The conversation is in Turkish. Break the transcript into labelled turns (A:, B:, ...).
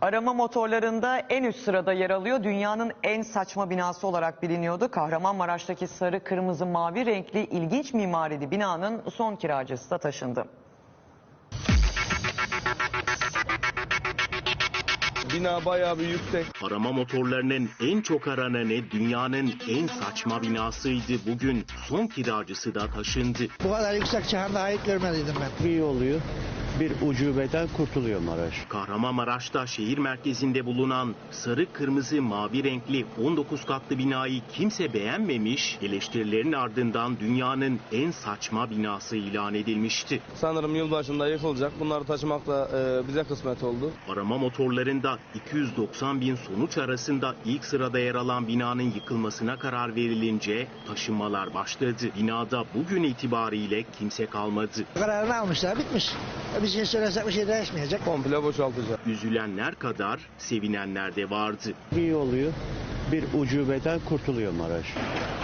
A: Arama motorlarında en üst sırada yer alıyor. Dünyanın en saçma binası olarak biliniyordu. Kahramanmaraş'taki sarı, kırmızı, mavi renkli ilginç mimarili binanın son kiracısı da taşındı.
B: Bina bayağı bir yüksek.
C: Arama motorlarının en çok arananı dünyanın en saçma binasıydı. Bugün son kiracısı da taşındı.
D: Bu kadar yüksek çağında ait görmediydim ben.
E: İyi oluyor. Bir ucubeden kurtuluyor Maraş.
C: Kahramanmaraş'ta şehir merkezinde bulunan sarı, kırmızı, mavi renkli 19 katlı binayı kimse beğenmemiş, eleştirilerin ardından dünyanın en saçma binası ilan edilmişti.
B: Sanırım yılbaşında yıkılacak. Bunları taşımak da bize kısmet oldu.
C: Arama motorlarında 290 bin sonuç arasında ilk sırada yer alan binanın yıkılmasına karar verilince taşınmalar başladı. Binada bugün itibariyle kimse kalmadı.
D: Kararını almışlar, bitmiş. Bir şey söylesek bir şey değişmeyecek.
B: Komple boşaltacak.
C: Üzülenler kadar sevinenler de vardı.
E: İyi oluyor. Bir ucubeden kurtuluyor Maraş.